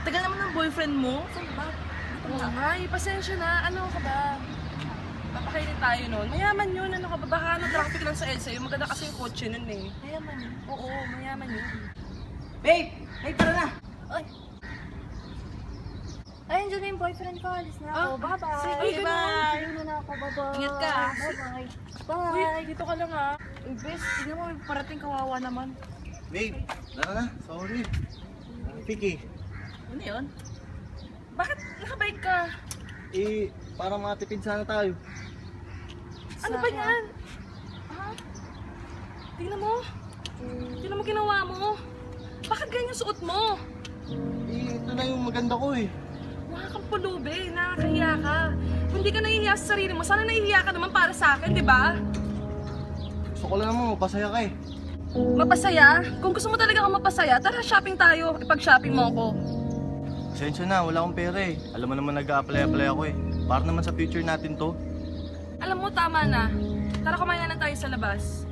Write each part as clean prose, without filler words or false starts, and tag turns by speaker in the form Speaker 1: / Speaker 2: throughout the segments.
Speaker 1: Tagal naman ng boyfriend mo. Saan ba?
Speaker 2: Oo nga, pasensya na. Ano ka ba? Papakainin tayo nun. Mayaman yun. Ano ka ba? Baka traffic lang sa EDSA. Yung maganda kasi yung kotse nun eh.
Speaker 1: Mayaman yun.
Speaker 2: Oo, mayaman yun.
Speaker 1: Babe! Babe, tara na!
Speaker 2: Ay,
Speaker 3: Ay, andyan na yung boyfriend ko. Alis na ako. Bye-bye.
Speaker 2: sige, bye.
Speaker 3: Sige na ako. Bye-bye.
Speaker 1: Ingat ka.
Speaker 3: Bye-bye.
Speaker 2: uy,
Speaker 3: Bye.
Speaker 2: dito ka lang ah.
Speaker 1: Uy, bes, tignan mo, may parating kawawa naman.
Speaker 4: Babe, tara na. Sorry. Vicky,
Speaker 1: Ano yun?
Speaker 2: Bakit nakabike ka?
Speaker 4: para matipid sana tayo.
Speaker 2: Ano ba yan? Ha? Tingnan mo. Tingnan mo ginawa mo. Bakit ganyan yung suot mo?
Speaker 4: Ito na yung maganda ko eh.
Speaker 2: Mukha kang pulubi, nakakahiya ka. Kung hindi ka nahihiya sa sarili mo, sana nahihiya ka naman para sa akin, di ba?
Speaker 4: Gusto ko lang naman, mapasaya ka eh.
Speaker 2: Mapasaya? Kung gusto mo talaga akong mapasaya, tara shopping tayo. Ipag-shopping mo ako.
Speaker 4: Pasensya na, wala akong pera eh. Alam mo naman nag-a-apply ako eh. Para naman sa future natin to.
Speaker 2: Alam mo, tama na. Tara kumain na lang tayo sa labas.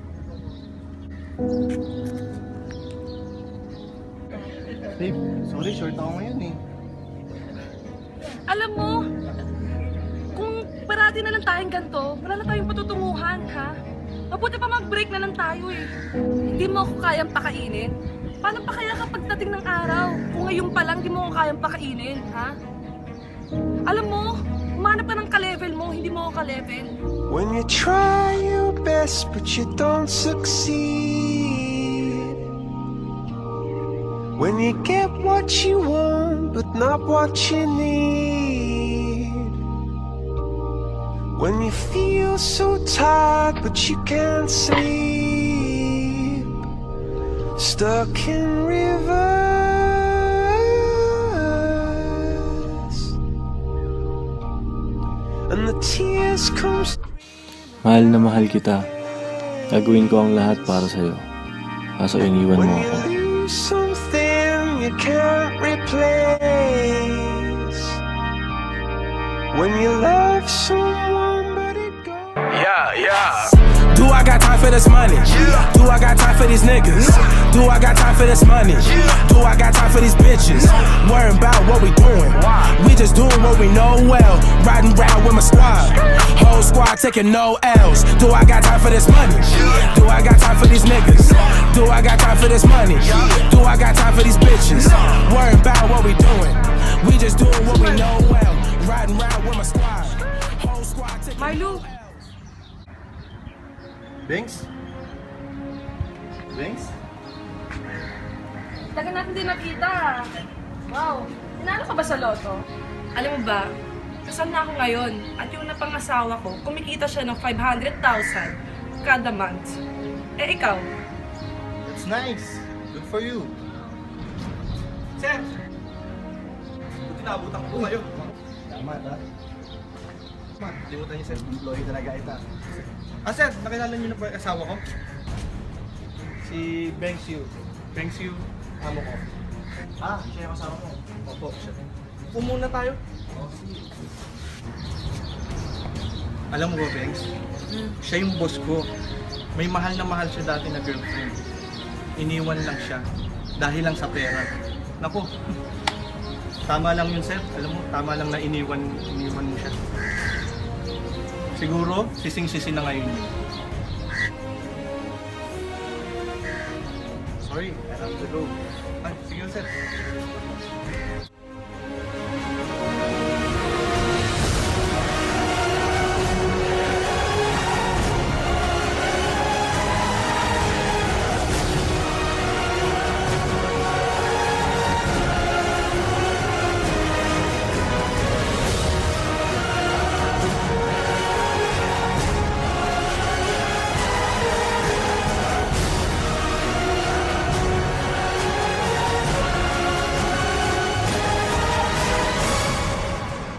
Speaker 4: Babe, sorry, short ako ngayon eh.
Speaker 2: Alam mo, kung parati na lang tayong ganito, wala na tayong patutunguhan, ha? Mabuti pa mag-break na lang tayo eh. Hindi mo ako kayang pakainin. Paano pa kaya kapag dating ng araw? Kung ngayon pa lang, hindi mo ako kayang pakainin, ha? Alam mo, umanap ka ng ka-level mo, hindi mo ako ka-level.
Speaker 5: When you try your best but you don't succeed. When you get what you want but not what you need. When you feel so tired but you can't sleep. Stuck in rivers. And the tears come.
Speaker 6: Mahal na mahal kita. Gagawin ko ang lahat para sa'yo. Kaso iniwan
Speaker 5: When
Speaker 6: mo
Speaker 5: you
Speaker 6: ako.
Speaker 5: lose something you can't replace. When you love someone but it goes.
Speaker 7: Yeah. Do I got time for this money? Do I got time for these niggas? Do I got time for this money? Do I got time for these bitches? Worrying about what we doing. We just doing what we know well. Riding round with my squad. Whole squad taking no L's. Do I got time for this money? Do I got time for these niggas? Do I got time for this money? Do I got time for these bitches? Worrying about what we doing. We just doing what we know well. Riding round with my squad. Whole squad taking
Speaker 2: Marlo,
Speaker 4: Banks? Banks?
Speaker 2: tagal natin din nakita. Wow, tinalo ka ba sa loto? Alam mo ba, kasal na ako ngayon at yung napangasawa ko, kumikita siya ng 500,000 kada month. Eh ikaw?
Speaker 4: That's nice. Good for you.
Speaker 8: Sir! Buti naabutan ko kayo.
Speaker 4: Tama ha?
Speaker 8: Limutan niyo, sir.
Speaker 4: Employee talaga ita.
Speaker 8: Sir, nakilala niyo na po yung asawa ko?
Speaker 4: Si Banks Yu.
Speaker 8: Banks Yu, amo ko.
Speaker 4: Siya yung kasama mo.
Speaker 8: Opo, siya. Pumuna tayo. Alam mo ba, Banks? Siya yung boss ko. May mahal na mahal siya dati na girlfriend. Iniwan lang siya dahil lang sa pera. Naku, tama lang yun, sir. Alam mo, tama lang na iniwan mo siya. Siguro, sising-sisi na ngayon yun.
Speaker 4: Sorry, I have to go.
Speaker 8: Ay, sige, sir.